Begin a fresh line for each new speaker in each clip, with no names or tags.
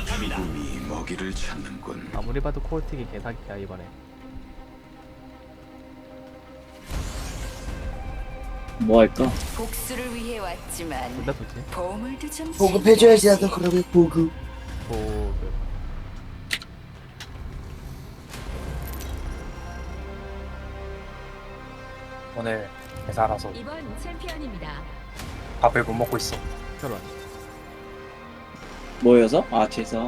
죽음이 먹이를 찾는군.
아무리 봐도 코어틱이 개사기야 이번에.
뭐 할까?
복수를 위해 왔지만
둘다 좋지.
보물도 좀
보급해줘야지
챙겨야지.
나도 그러면 보급.
보급.
오늘 회사라서
이번 챔피언입니다.
밥을 못 먹고 있어.
결혼.
뭐여서? 아 제서.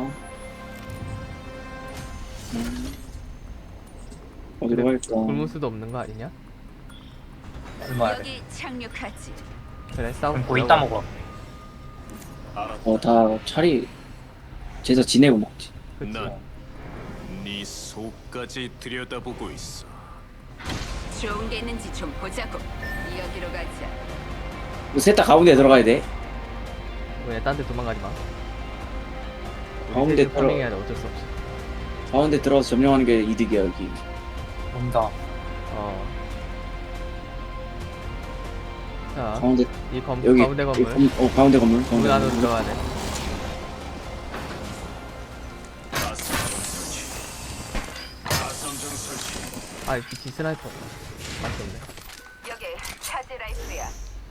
어디로 갈까?
굶을 수도 없는 거 아니냐?
얼마야 돼?
여기 착륙하지.
그래 싸움.
그럼 뭐 이따 먹어.
다 차리 제서 지내고 먹지.
그치.
네 속까지 들여다보고 있어.
좋은 게 있는지 좀 보자고. 여기로 가자.
셋 다 가운데 들어가야 돼.
왜 딴 데 도망가지 마.
가운데 들어.
해야 돼 어쩔 수 없이.
가운데 들어가서 점령하는 게 이득이야 여기.
온다.
어. 자,
가운데
이
여기
가운데 건물.
가운데 건물.
건물
가운데
안으로
건물.
들어가야 돼.
가성정 설치.
아, 비치 스나이퍼. 맛이 없네.
여기 카드 라이프야.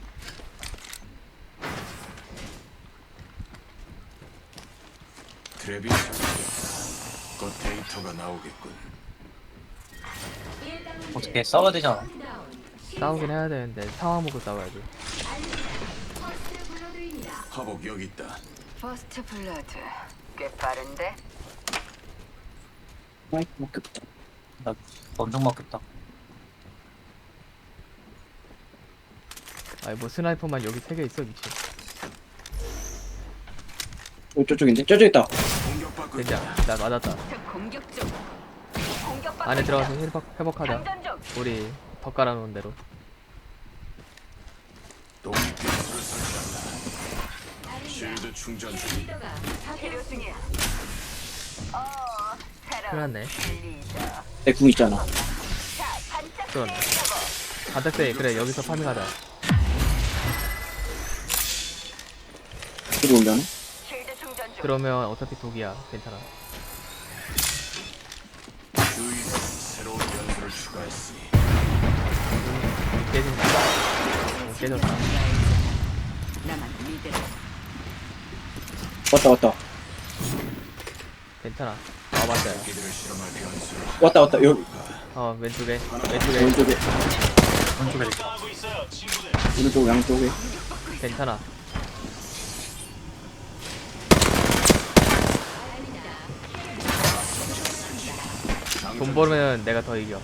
트랩이 설치됐다. 곧 데이터가 나오겠군.
어떻게 싸워야 되잖아.
싸우긴 해야 되는데 상황 보고 싸워야지.
화복 여기 있다.
퍼스트 블러드. 꽤 빠른데?
아이 먹겠다.
나 엄청 먹겠다.
아니 뭐 스나이퍼만 여기 3개 있어 미친.
저쪽인데? 저쪽 있다.
공격받고
되지
있다.
않아. 나 맞았다.
적 공격 중. 공격받고
안에
있다.
들어가서 회복하자.
장전 중.
우리 더 깔아놓은 대로.
독립기술을 설치한다. 쉴드 충전 중.
치료 중이야.
큰일
새로운
났네.
리더.
내 궁 있잖아.
자, 반짝
그러네. 반짝대 그래 여기서 파밍하자.
들어오려나?
쉴드 충전 중.
그러면 어차피 독이야. 괜찮아.
주위에 새로운 연수를 추가했으니
깨진다. 깨졌다.
나만 믿으라.
왔다.
괜찮아. 아 맞아요.
이들을 실험할 변수를
왔다. 여기
어 왼쪽에
왼쪽에
왼쪽에 있어.
오른쪽 양쪽에.
괜찮아. 돈 벌면 내가 더 이겨.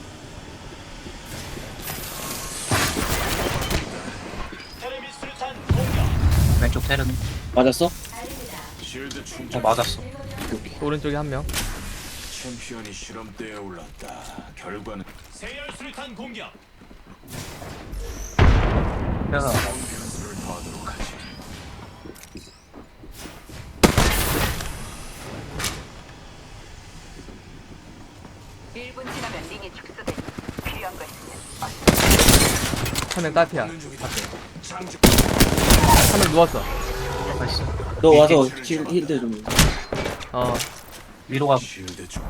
왼쪽 테른.
맞았어?
쉴드 충전.
맞았어.
오른쪽에 한 명.
챔피언이 실험대에 올랐다. 결과는
그래서
변수를 더하도록 하지.
1분 지나면 링이 축소돼. 필요한 거 있으면
한 명 딸피야. 한
장직
명 누웠어.
나이스.
너 와서 힐드 좀.
어
위로 가.
쉴드 중.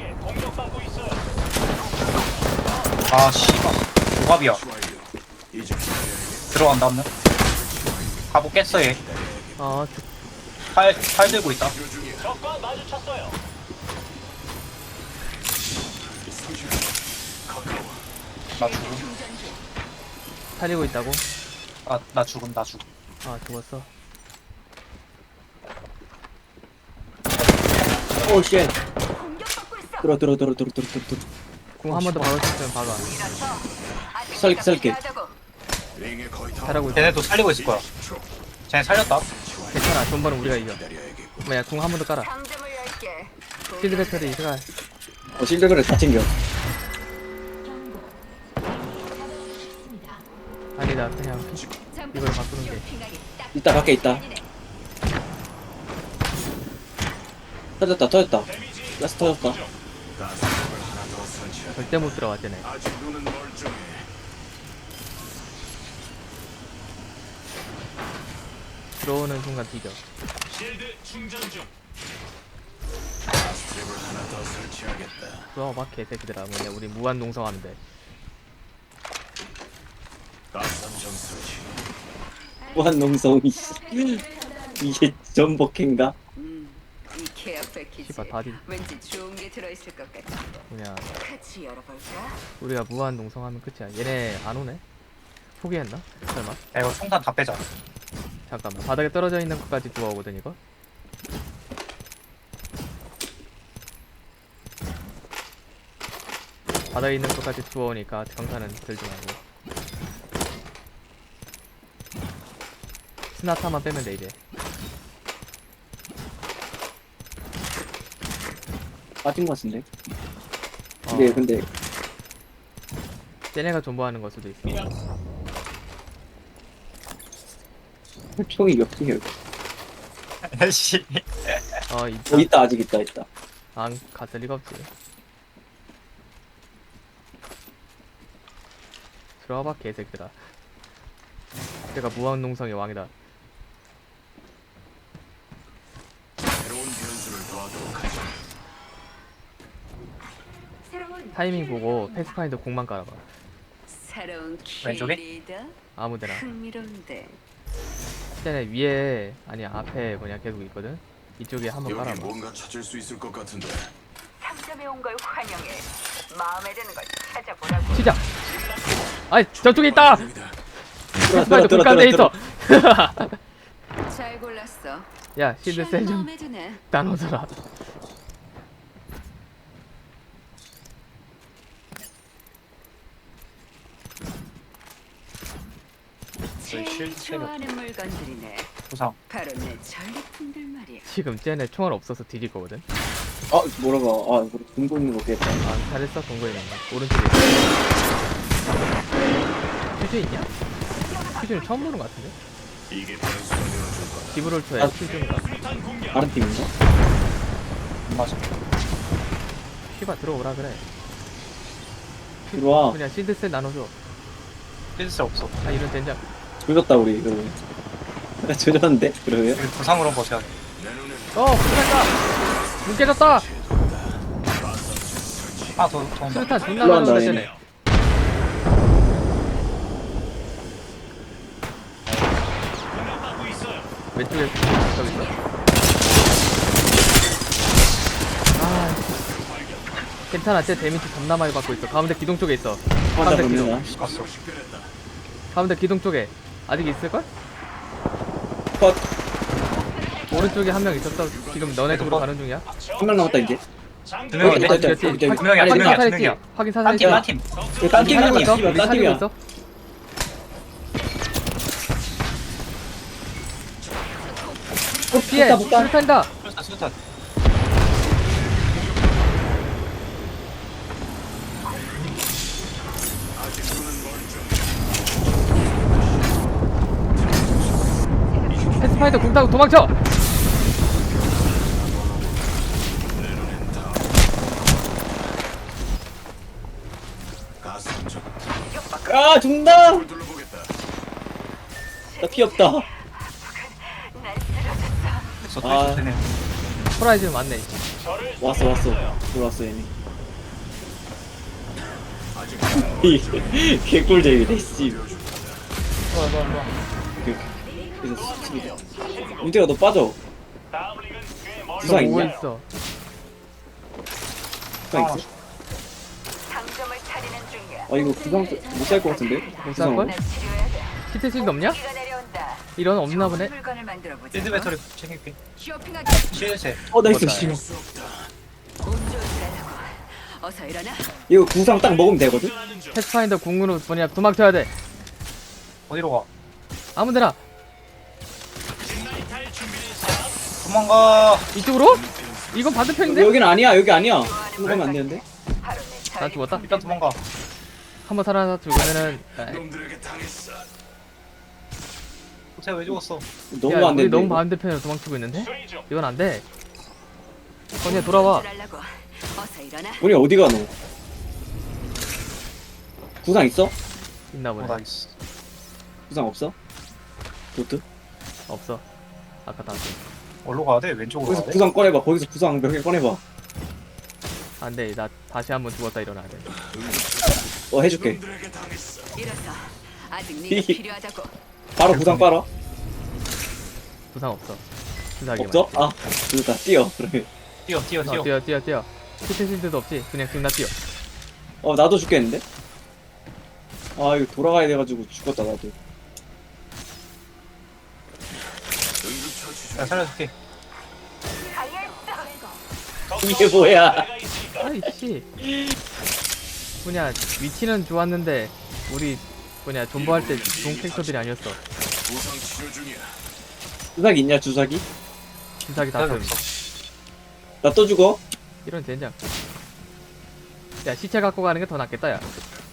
아 씨발. 조갑이야.
완료. 이제 기다려야겠다.
들어간다 한 명. 가보 깼어 얘.
어,
팔 들고 있다.
가까워.
나 죽음.
살리고 있다고?
나 죽음.
아 죽었어.
오 쉣.
공격받고 있어.
들어.
궁 한 번 더 박을 수 있으면 박아.
살게.
링에 거의 다
잘하고 있어.
쟤네도 살리고 있을 거야. 쟤네 살렸다.
괜찮아. 돈 버는 우리가 이겨.
기다려야겠고.
뭐야 궁 한 번 더 깔아.
상점을 열게.
필드 배터리 이가
실드 그래 다 챙겨.
아니다 그냥 이걸 바꾸는 게.
있다 밖에 있다. 터졌다. 라스 터졌다.
가스통을 하나 더 설치하다.
절대 못 들어와 쟤네.
아직 눈은 멀쩡해.
들어오는 순간 뒤져.
설치하겠다.
들어와봐 개새끼들아. 뭐냐 우리 무한 농성하면 돼.
가스함정 설치.
무한농성이 이게 전복행가?
이 계약 패키지
씨발 다디
왠지 좋은 게 들어있을 것 같아.
뭐냐
같이 열어볼까?
우리가 무한 농성하면 끝이야. 얘네 안 오네? 포기했나? 설마?
야 이거 총탄 다 빼자.
잠깐만 바닥에 떨어져 있는 것까지 주워오거든 이거? 바닥에 있는 것까지 주워오니까 경사는 들지 말고 스나타만 빼면 돼 이제.
빠진 것 같은데?
어,
근데
쟤네가 존버하는 걸 수도 있어.
총이 몇 개야?
씨.
있다.
있다 아직 있다.
안 갔을 리가 없지. 들어와봐 개새끼들아. 내가 무한 농성의 왕이다.
새로운 변수를 더하도록 하자.
새로운
타이밍 보고 패스파인더 공만 깔아봐.
새로운
왼쪽에?
킬리더?
아무데나.
흥미로운데.
쟤네 위에 아니 앞에 뭐냐 계속 있거든. 이쪽에 한번
여기
깔아봐.
뭔가 찾을 수 있을 것 같은데.
상점에 온 걸 환영해. 마음에 드는 걸 찾아보라고.
시작. 아이 저쪽에 있다.
됩니다.
패스파인더 공 깔려 있어.
잘 골랐어.
야 실드 셀 좀
마음에 드네.
나눠줘라.
제일
실제로.
좋아하는 물건들이네.
부상.
바로 내 전리품들 말이야.
지금 쟤네 총알 없어서 뒤질 거거든.
뭐라고? 이거 들고 있는 거 깼다.
아 잘했어 동거에 있는 거. 오른쪽에. 퓨즈 있냐? 퓨즈는 처음 보는 거 같은데?
이게 변수가 되어줄 거다.
기브롤터에
아,
퓨즈인가?
다른 팀인가?
안 맞아.
퓨바 들어오라 그래.
들어와.
그냥 실드셋 나눠줘.
필수 없어.
아 이런 된장.
조졌다 우리 이거. 조졌는데 그러면?
여기 부상으로 버텨야 돼.
내 눈엔
불탄다. 문 깨졌다.
하나 더 온다.
수류탄 존나
올라간다,
많은데
얘네.
쟤네. 왼쪽에 저기 있어. 아 괜찮아. 쟤 데미지 존나 많이 받고 있어. 가운데 기둥 쪽에 있어.
혼자
가운데 기둥.
보내나?
갔어.
가운데 기둥 쪽에 아직 있을걸?
컷.
오른쪽에 한 명 있었어. 지금 너네 쪽으로 가는 중이야.
한 명 남았다 이제.
두 명인데?
있다, 있다,
그렇지.
있다, 있다.
두 명이야, 두
확인
명이야, 두
사살했지?
명이야.
확인
딴
사살했지?
팀, 딴 팀.
이거 딴 팀이야.
사귀고 있어?
씨발, 딴
사귀고
팀이야.
있어? 피해!
붙다.
수류탄이다!
수류탄.
패스파이더 공 타고 도망쳐!
가스함정.
죽는다.
불 둘러보겠다.
나 피 없다.
날 쓰러졌어.
그래서
아.
또 되네.
호라이즌 맞네.
왔어. 들어왔어 얘네.
아직
이 개꿀잼이네 씨.
좋아.
그래서 수비다. 윤태가 너 빠져. 부상
저 오고
있냐?
있어.
부상 있어?
상점을 차리는 중이야.
이거 부상 못살 것 같은데?
살 걸?
나 치료해야 돼.
히트 실드 없냐?
기가 내려온다.
이런 없나 보네?
좋은 물건을 만들어 보자.
필드 배터리 챙길게.
쇼핑하기
실세.
나이스
맞다.
씨.
운 좋은 일하라고. 어서 일어나.
이거 구상 딱 먹으면 되거든?
패스파인더 궁으로 뭐냐 도망쳐야 돼.
어디로 가?
아무데나.
도망가.
이쪽으로? 이건 반대편인데?
여긴 아니야 여기 아니야. 이거 가면 안 되는데?
바로 내
나 죽었다.
일단 도망가.
한번 살아서 죽으면은
놈들에게 당했어.
호텔 왜 죽었어?
너무
야,
안
우리
되는데.
너무
이거.
반대편으로 도망치고 있는데? 이건 안 돼. 건이야 돌아와.
하려고. 어서 일어나.
우리 어디 가 너? 구상 있어?
있나 보네.
나이스.
구상 없어? 도트?
없어. 아까 다.
어디로 가야 돼? 왼쪽으로
거기서
가야 돼?
구상 꺼내봐. 거기서 구상 몇 개 꺼내봐.
안돼 나 다시 한번 죽었다 일어나야 돼.
해줄게.
놈들에게 당했어.
이랬어. 아직 네가 필요하다고.
바로 부상 빨아.
부상 없어. 주사기만.
없어? 아, 그다 뛰어. 그러면.
뛰어 뛰어 뛰어.
뛰어. 히트 실드도 없지. 그냥 지금 나 뛰어.
나도 죽겠는데? 아, 이거 돌아가야 돼가지고 죽었다 나도.
응급처치 중.
나 살려줄게.
이게 뭐야?
아이씨. 뭐냐 위치는 좋았는데 우리 뭐냐 존버할 때 좋은 캐릭터들이 아니었어.
부상 치료 중이야.
주사기 있냐 주사기?
주사기 다
살려
금.
없어.
나 또 죽어?
이런 젠장. 야 시체 갖고 가는 게 더 낫겠다 야.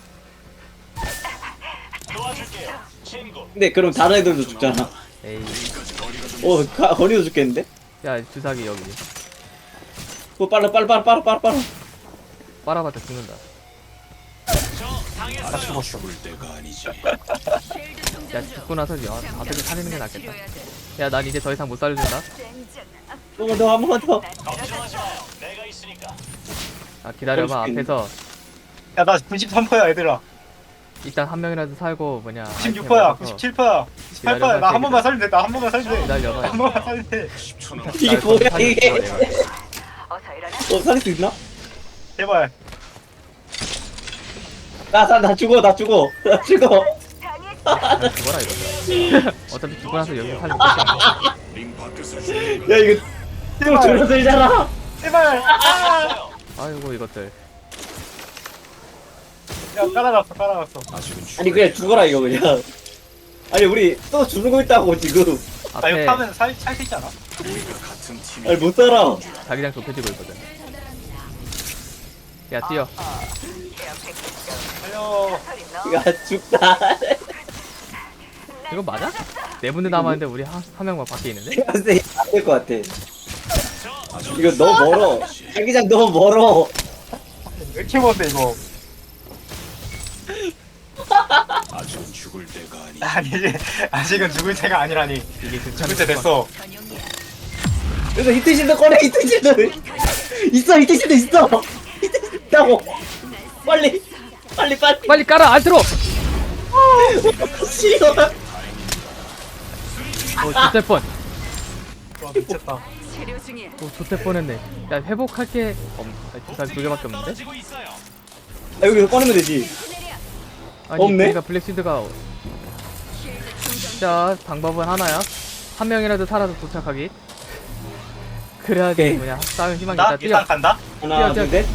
근데 그럼 다른 애들도 죽잖아.
에이.
거리도 죽겠는데?
야 주사기 여기.
그거 빨라.
빨아봤자 죽는다.
나 죽었어.
죽을 때가 아니지.
쉴드 충전
야
중.
죽고 나서 다들 살리는 게 낫겠다.
치료해야 돼.
야 난 이제 더 이상 못 살려준다.
너 한 번만 더.
아 기다려봐.
죽겠네.
앞에서
야나 93%야 얘들아.
일단 한 명이라도 살고 뭐냐.
96%야. 97%야. 98%야. 나 한 번만 살면 돼. 나 한 번만 살면 돼.
기다려봐.
한 번만 살면 돼.
10초 남.
이게 뭐야 이게?
어서 일어나.
살릴 수 있나?
제발.
나 죽어.
죽어라 이거. 어차피 죽고 나서 여기서 살리고 있어.
링 밖에서 죽는
야 이거 또 줄어들잖아.
제발.
아이고 이것들.
야 깔아놨어.
아직은 죽을
아니 그냥 죽어라 이거 그냥. 아니 우리 또 죽고 있다고 지금.
나 이거
앞에
타면 살수 있지 않아?
우리가 같은 팀이.
아니 못 살아.
자기장 좁혀지고 있거든. 야 뛰어.
살려.
야 죽다.
이거 맞아? 네 분들 남았는데 우리 한 명만 밖에 있는데?
근데 안될 것 같아. 이거 너무 멀어. 자기장 너무 멀어.
왜 이렇게 먼데 이거?
아직은 죽을 때가 아니지.
아니 아직은 죽을 때가 아니라니.
이게 그
죽을 때 됐어.
전용이야.
그래서 히트실드 꺼내 히트실드. 있어 히트실드 있어. 히트실드 있다고. 빨리.
빨리 깔아 알트로!
싫어.
좋될 뻔.
와 미쳤다.
치료 중이야.
좋될 뻔했네. 야 회복할 게 주사기 2개밖에 없는데?
여기서 꺼내면 되지.
아니
없네?
그러니까 블랙시드가 자 방법은 하나야. 한 명이라도 살아서 도착하기. 그래야지
오케이.
뭐냐 싸울 희망이
나
있다. 뛰어.
일단 간다.
하나
뛰어,
둘 셋.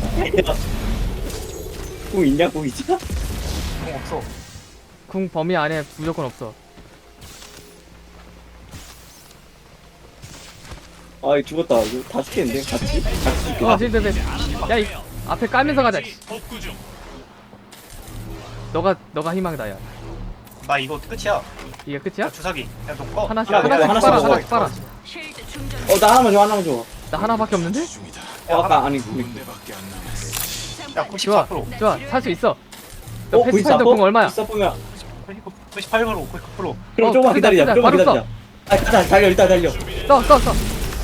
공 있냐 공 있지?
공 없어.
궁 범위 안에 무조건 없어.
아 이거 죽었다. 이거 다 죽겠는데 같이 죽겠다.
실드배. 야이 앞에 깔면서 가자. 너가 희망이다 야.
나 이거 끝이야.
이게 끝이야?
야 주사기. 야너 꺼.
하나씩
야,
하나씩
하나씩
빨아
먹어.
하나씩 빨아.
쉴드 충전.
나 하나만 줘 하나만 줘.
나 하나밖에 없는데?
중이다.
아까 아니
군대밖에 안 남았어.
야
좋아
94%.
좋아 살 수 있어. 너 패스파인더
94%?
궁 얼마야?
94%면
98%. 99%.
그럼 조금만 기다리자.
기다려,
조금만
바로
기다리자. 아 일단 달려 일단 달려.
써.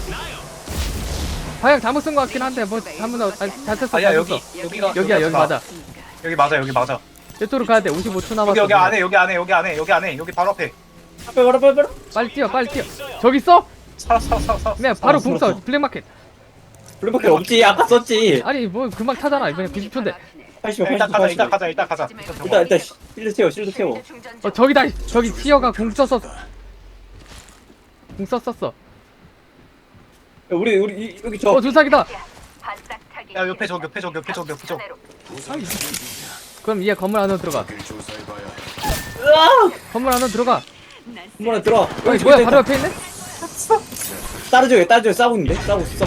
방향 잘못 쓴 것 같긴 한데 뭐 잘못 잘 썼어.
아야
잘
여기
썼어.
여기가
여기야 여기 맞아.
여기 맞아.
이쪽으로 가야 돼. 55초 남았어.
여기 안에 여기 바로 앞에.
빨리.
빨리 뛰어. 저기 있어?
사.
그냥 바로 궁 써. 블랙마켓.
블랙마켓 없지. 아까 썼지.
아니 뭐 금방 타잖아. 이번에 90초인데.
80몇
일단
80.
가자. 일단 가자.
일단 실드 채워.
저기다. 저기 티어가 궁 썼어. 궁 썼었어.
야, 우리 여기 저
주사기다.
야 옆에 저.
부상 치료 중이야.
그럼 얘 건물 안으로 들어가.
길 조사해봐야 해.
건물 안으로 들어가.
한번에 들어.
여기 뭐야? 바로 옆에 있네?
따라줘 싸우고 있는데 싸우고 있어.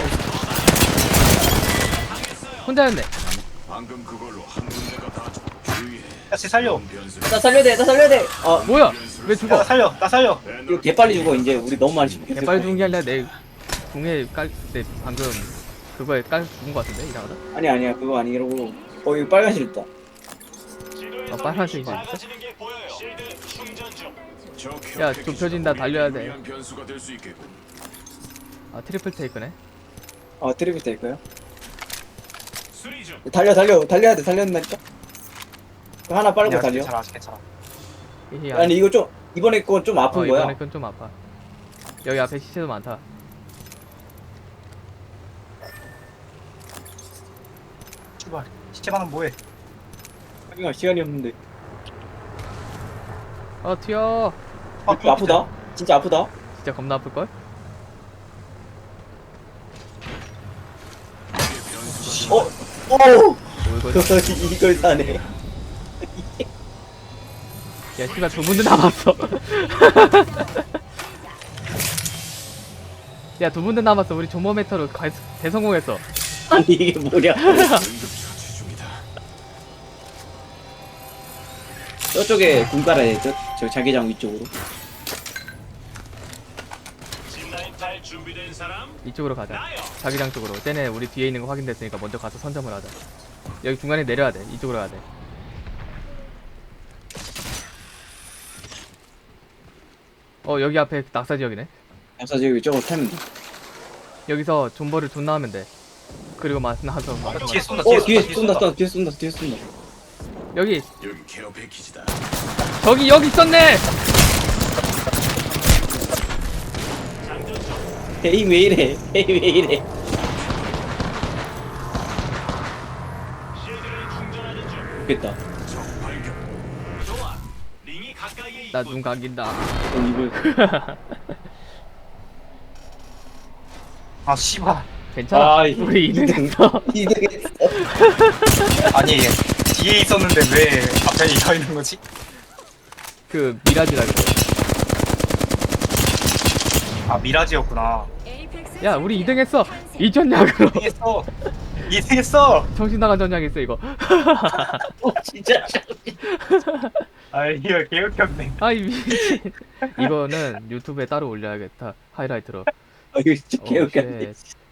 혼자였네.
방금 그걸로 한 군데가 다 주의해.
야쟤 살려.
변수.
나 살려야 돼.
뭐야? 왜
야,
죽어?
나 살려.
이거 개 빨리 죽어 이제 우리 너무 많이 죽겠어.
개빨 죽은 게 아니라 내 궁에 때 방금 그거에 죽은 거 같은데 이상하다.
아니야 그거 아니라고. 이거 빨간 실 있다.
빨간색이 있어.
저
야, 좁혀진다. 달려야 돼.
위한 변수가 될 수 있겠군.
트리플 테이크네.
트리뷰 될까요? 달려야 돼, 달려야된다니까? 하나 빨고
아니야,
달려.
괜찮아 아직 괜찮아.
히히,
아니, 이거 좀, 이번에 건 좀 아픈 거야.
이번에 건 좀 아파. 여기 앞에 시체도 많다.
출발. 시체만은 뭐해?
하기가 시간이 없는데.
튀어.
좀 아프다? 진짜 아프다?
진짜 겁나 아플걸?
오!
이거
이걸 사네.
야 씨발 두 분도 남았어. 야 두 분도 남았어. 우리 조모 메터로 대성공했어.
아니, 이게 뭐냐.
응급처치 중이다.
저쪽에 군 깔아야 돼, 저 자기장 위쪽으로.
이쪽으로 가자. 자기장 쪽으로. 쟤네 우리 뒤에 있는 거 확인됐으니까 먼저 가서 선점을 하자. 여기 중간에 내려야 돼. 이쪽으로 가야 돼. 여기 앞에 낙사 지역이네.
앞서 저기 위쪽으로 타면 돼.
여기서 존버를 존나 하면 돼. 그리고 나서
뒤에 쏜다.
뒤에 쏜다.
여기
여기 케어 패키지다.
여기 있었네.
에이, 왜 이래. 좋겠다.
적 발견.
나 눈 감긴다.
이걸.
아 씨발.
괜찮아.
아,
우리 2등했어.
2등했어.
아니 뒤에 있었는데 왜 갑자기 서 있는 거지?
그 미라지라 그래.
아 미라지였구나.
야 우리 2등했어. 이전략으로.
2등했어. 2등했어.
정신 나간 전략 있어 이거.
진짜.
아 이거 개웃겼네.
아이 미친. 이거는 유튜브에 따로 올려야겠다. 하이라이트로.
이거 진짜
오,
개웃겼네.
쉣.